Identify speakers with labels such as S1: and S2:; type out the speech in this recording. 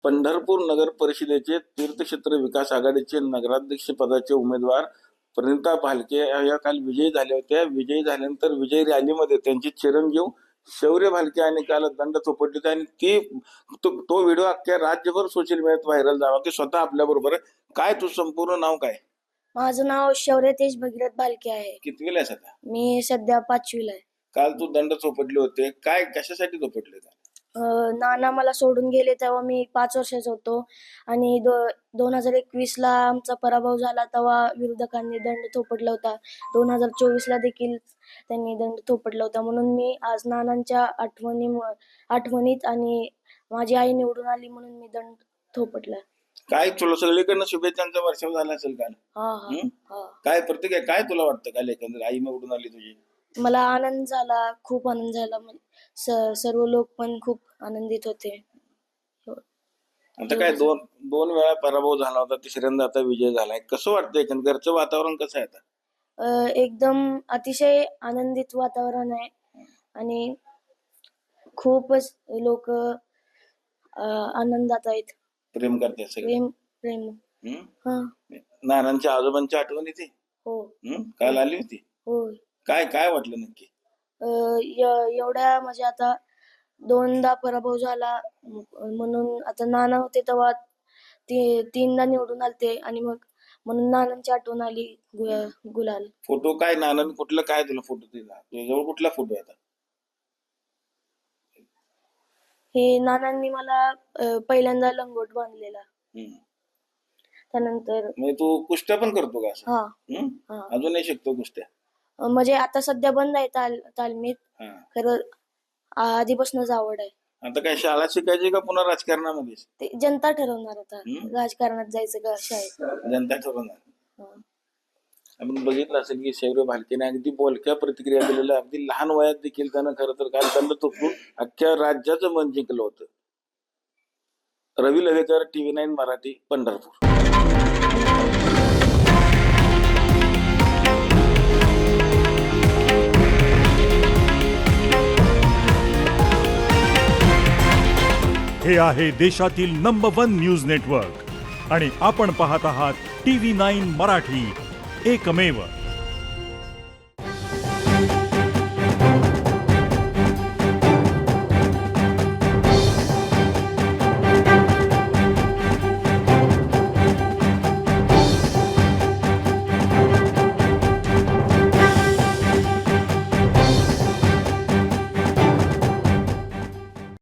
S1: पंढरपूर नगर परिषदेचे तीर्थक्षेत्र विकास आघाडीचे नगराध्यक्ष पदाचे उमेदवार प्रणिता भालके या काल विजयी झाल्या होत्या. विजयी झाल्यानंतर विजयी रॅलीमध्ये त्यांचे चिरंजीव शौर्य भालके यांनी काल दंड थोपटले आणि तो व्हिडिओ अख्ख्या राज्यभर सोशल मीडियात व्हायरल झाला. ते स्वतः आपल्या बरोबर आहे. काय तू संपूर्ण नाव काय?
S2: माझं नाव शौर्य तेज भगीरथ भालके आहे.
S1: कितवीला आहेस आता?
S2: मी सध्या 5वीला आहे.
S1: काल तू दंड थोपटले होते, काय कशासाठी थोपटले?
S2: नाना मला सोडून गेले तेव्हा मी 5 वर्षाचा होतो आणि 2021ला आमचा पराभव झाला तेव्हा विरोधकांनी दंड थोपटला होता. 2024ला देखील त्यांनी दंड थोपटला होता. म्हणून मी आज नानांच्या आठवणीत आणि माझी आई निवडून आली म्हणून मी दंड थोपटला.
S1: काय तुला सगळीकडनं शुभेच्छांचा वर्षाव झाला असेल काल?
S2: हा.
S1: काय प्रतिक्रिया, काय तुला वाटतं काल एकंदर आई निवडून आली तुझी?
S2: मला आनंद झाला, खूप आनंद झाला. सर्व लोक पण खूप आनंदित होते.
S1: आता काय दोन वेळा पराभव झाला होता, तिसऱ्यांदा आता विजय झालाय. कसं वाटतं एकंदर? घरचं वातावरण कसं आहे आता?
S2: एकदम अतिशय आनंदित वातावरण आहे आणि खूपच लोक आनंदात आहेत.
S1: प्रेम करतात सगळे?
S2: प्रेम.
S1: नानांच्या आजोबांची आठवण येते?
S2: हो.
S1: काल आली होती?
S2: हो.
S1: काय वाटलं नक्की?
S2: एवढ्या म्हणजे आता 2दा पराभव झाला म्हणून आता नाना होते तेव्हा 3दा निवडून आलते आणि मग म्हणून नानांची आठवण आली. गुलाल
S1: फोटो काय नानांनी कुठलं, काय तुला फोटो दिला? तुझ्याजवळ कुठला फोटो आहे?
S2: हे नानांनी मला पहिल्यांदा लंगोट बांधलेला. त्यानंतर
S1: तू कुस्त्या पण करतो का?
S2: हा.
S1: अजूनही शिकतो कुस्त्या?
S2: म्हणजे आता सध्या बंद आहे तालमीत. खरं आधीपासूनच आवड आहे.
S1: आता काय शाळा शिकायची का पुन्हा राजकारणामध्ये?
S2: ते जनता ठरवणार आता राजकारणात जायचं का शाळेत.
S1: जनता ठरवणार. आपण बघितलं असेल की शौर्य भालकेने अगदी बोलक्या प्रतिक्रिया दिलेल्या, अगदी लहान वयात देखील त्यानं खरं तर काल दंड थोपटून अख्ख्या राज्याचं मन जिंकलं होतं. रवी लवेकर, TV9 मराठी, पंढरपूर.
S3: हे आहे देशातील नंबर 1 न्यूज नेटवर्क आणि आपण पाहत आहात TV9 मराठी, एकमेव.